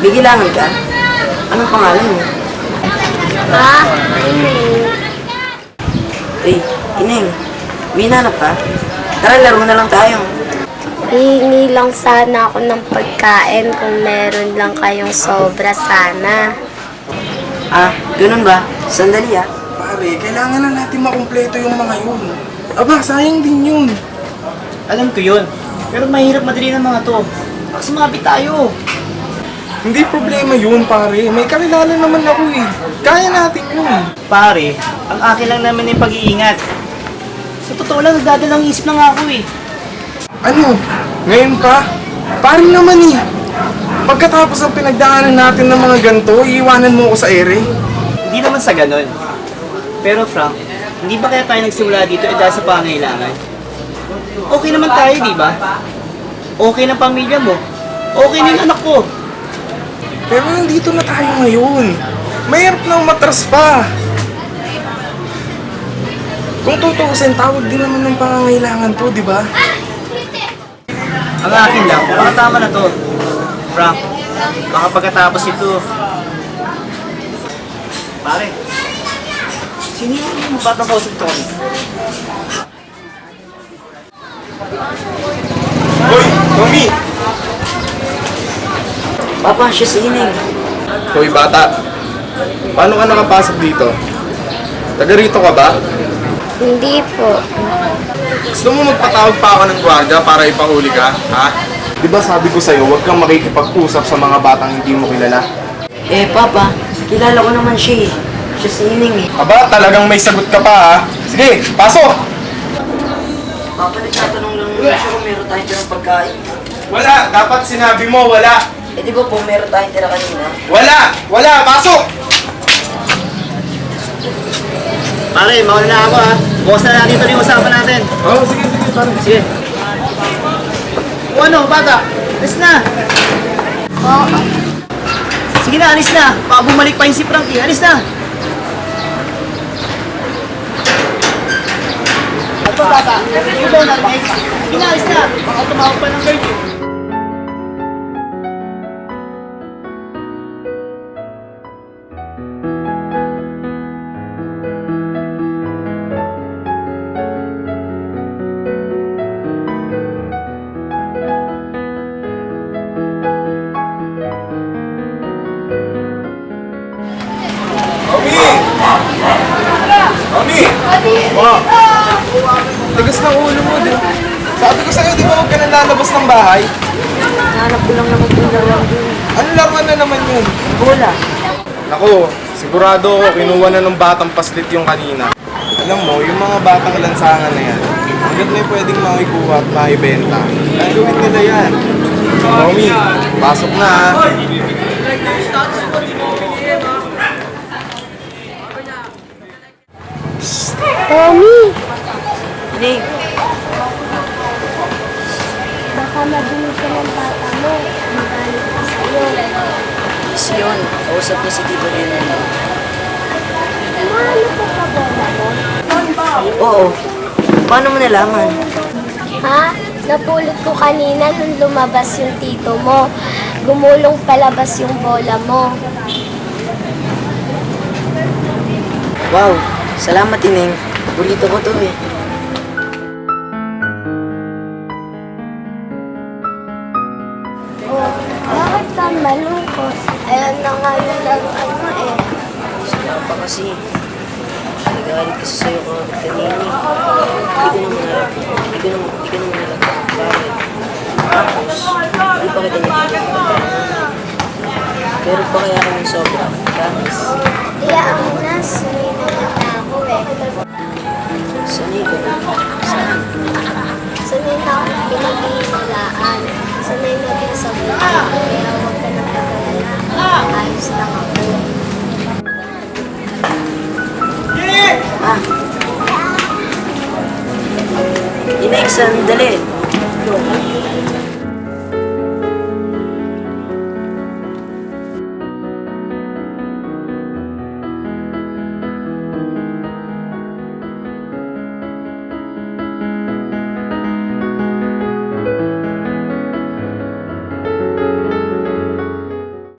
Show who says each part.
Speaker 1: May kailangan ka? Anong pangalan mo?
Speaker 2: Ineng.
Speaker 1: Eh, Ineng, may hinanap ka? Tara, laro na lang tayo.
Speaker 2: Hihingi lang sana ako ng pagkain kung meron lang kayong sobra sana.
Speaker 1: Ah, ganun ba? Sandali ah.
Speaker 3: Pare, kailangan na natin makumpleto yung mga yun. Aba, sayang din yun.
Speaker 4: Alam ko yun. Pero mahirap madali ng mga to. Baka sumabi tayo.
Speaker 3: Hindi problema yun, pare. May kakilala naman ako eh. Kaya natin yun.
Speaker 4: Pare, ang akin lang naman yung pag-iingat. Sa totoo lang, nagdadalang isip na nga ako eh.
Speaker 3: Ano? Ngayon pa? Pare naman eh. Pagkatapos ang pinagdaanan natin ng mga ganito, iiwanan mo ako sa ere.
Speaker 4: Hindi naman sa ganon. Pero Frank, hindi ba kaya tayo nagsimula dito dahil sa pangailangan? Okay naman tayo, di ba? Okay ng pamilya mo. Okay na yung anak ko.
Speaker 3: Pero nandito na tayo ngayon. Mahirap na umatras pa. Kung tutuusin, tawag din naman ng pangangailangan to, di ba?
Speaker 4: Ang akin lang, baka tama na to. Frank, baka pagkatapos ito. Pare, sino yung batang kausap to?
Speaker 3: Hoy, Tommy!
Speaker 1: Papa, siya si Ineng.
Speaker 3: Hoy, bata. Paano ka nakapasok dito? Taga rito ka ba?
Speaker 2: Hindi po.
Speaker 3: Gusto mo magpatawag pa ako ng gwardiya para ipahuli ka, ha? Di ba sabi ko sa'yo, huwag kang makikipag-usap sa mga batang hindi mo kilala?
Speaker 1: Eh, Papa, kilala ko naman siya eh. Siya si Ineng eh.
Speaker 3: Aba, talagang may sagot ka pa, ha? Sige, pasok!
Speaker 1: Papa, nagtatanong lang naman siya kung meron tayong tirang pagkain.
Speaker 3: Wala! Dapat sinabi mo, wala!
Speaker 1: Eh, di ba po meron tayong tira kanina?
Speaker 3: Wala! Wala! Pasok!
Speaker 4: Pare, mauna na ako ha. Bukas na natin ito yung usapan natin.
Speaker 3: Oh, sige, sige, pare.
Speaker 4: Sige. O ano, bata? Alis na.
Speaker 2: Oo.
Speaker 4: Sige na, alis na. Baka bumalik pa yung si Frankie. Alis na. Ito, bata. Ito, narinig. Sige na, alis na. Baka tumawag pa ng girl.
Speaker 3: Mami! Ma! Tigas ng ulo mo, di. Sabi ko sa'yo, di ba huwag ka na lalabas ng bahay?
Speaker 1: Hanap ko lang naman po yung laruan dun.
Speaker 3: Ano laruan na naman yun?
Speaker 1: Bola.
Speaker 3: Ako, sigurado ako, kinuha na ng batang paslit yung kanina. Alam mo, yung mga batang lansangan na yan, hanggat may pwedeng makikuha at makibenta, gagawin nila yan. Mami, pasok na ha.
Speaker 2: Tommy,
Speaker 1: Ineng,
Speaker 2: baka mabili ka ng bata mo. Magalit ka sa'yo.
Speaker 1: si Yon. Kausap niya si Tito Nene.
Speaker 2: Mahalo ko ka bola mo?
Speaker 1: Oo. Paano mo nalaman?
Speaker 2: Ha? Napulot ko kanina nung lumabas yung tito mo. Gumulong palabas yung bola mo.
Speaker 1: Wow, salamat Ineng. Burrito ko to eh.
Speaker 2: Oh, bakit ka malungkot? Ayan na nga yung laruan mo eh.
Speaker 1: Sila pa kasi. Nagalit kasi sa'yo ko kanina. Hindi ko naman alam. Hindi ko naman alam. Bakit? Tapos, hindi pa kita nagpapagpapagpapag. Pero pa kaya kami sobra. Promise.
Speaker 2: Iyaan mo na, sanay naman na ako eh.
Speaker 1: Sanay ko na. Saan?
Speaker 2: Sanay na ako pinag-iimalaan. Sanay na din sa buhay. Kaya huwag ka nang pag-alala. Ayos lang ako.
Speaker 1: Ah. Ineng, sandali.